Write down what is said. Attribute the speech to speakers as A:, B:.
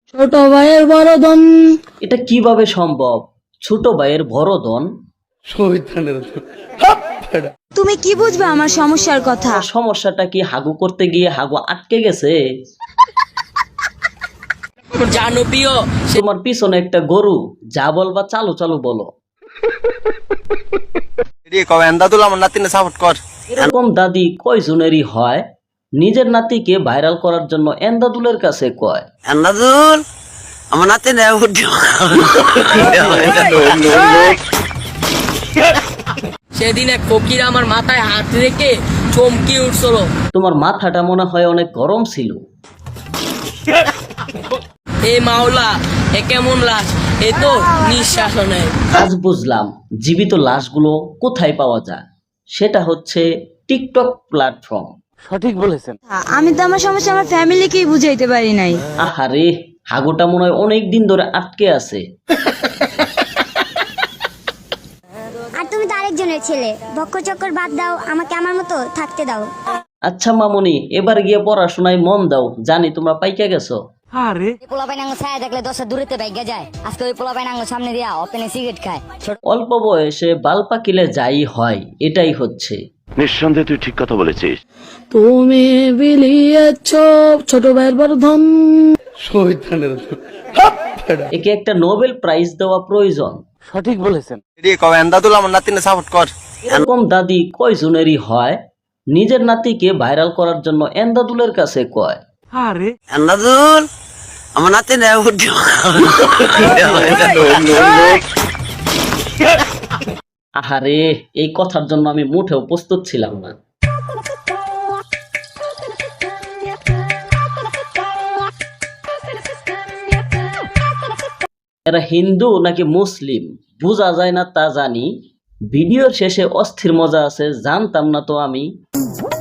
A: ছোট ভাইয়ের বড় ধন।
B: এটা কিভাবে সম্ভব? ছোট ভাইয়ের বড় ধন?
C: তুমি কি বুঝবে আমার সমস্যার কথা?
B: আমার সমস্যাটা কি হাগু করতে গিয়ে হাগু আটকে গেছে?
A: জানো প্রিয়,
B: তোমার পিছনে একটা গরু, যা বলবা চালু চালু বলো। এরকম দাদি কয়জনেরই হয়? নিজের নাতিকে ভাইরাল করার জন্য এন্দাদুলের কাছে কয়।
A: সেদিন এক ফকির আমার মাথায় হাত রেখে চমকে উঠছিল।
B: তোমার মাথাটা মনে হয় অনেক গরম ছিল।
A: এ মাওলা, এ কেমন লাশ, এ তো নিঃশ্বাস নেয়।
B: আজ বুঝলাম জীবিত লাশগুলো কোথায় পাওয়া যায়। সেটা হচ্ছে টিকটক প্ল্যাটফর্ম।
C: আমি তো আমার সমস্যা আমার ফ্যামিলিকেই বুঝাইতে পারি নাই।
B: আহারে, হাগুটা মনে হয় অনেক দিন ধরে আটকে আছে।
D: আর তুমি তো আরেকজনের ছেলে, ভক্ষ চক্কর বাদ দাও, আমাকে আমার মতো থাকতে দাও।
B: আচ্ছা মামুনি, এবার গিয়ে পড়াশোনায় মন দাও, জানি তোমরা পাইকা গেছো।
E: পোলা বাইনাঙ্গ ছায়া দেখলে দশটা দূরেতে বাইকে যায়, আজকে ওই পোলা বাইনাঙ্গ সামনে দিয়া ওপেনে সিগারেট খায়।
B: অল্প বয়সে বাল পাকিলে যাই হয়, এটাই হচ্ছে।
F: নিঃসন্দেহে তুই ঠিক কথা বলেছিস।
A: তুমি বিলিয়েছ ছোট ভাইয়ের বড় ধন।
B: একে একটা নোবেল প্রাইজ দেওয়া প্রয়োজন। এরকম দাদি কয়জনেরই হয়? নিজের নাতিকে ভাইরাল করার জন্য এন্দাদুলের কাছে কয়। আহারে, এই কথার জন্য আমি মুঠেও প্রস্তুত ছিলাম না। এরা হিন্দু নাকি মুসলিম বোঝা যায় না, তা জানি। ভিডিওর শেষে অস্থির মজা আছে, জানতাম না তো আমি।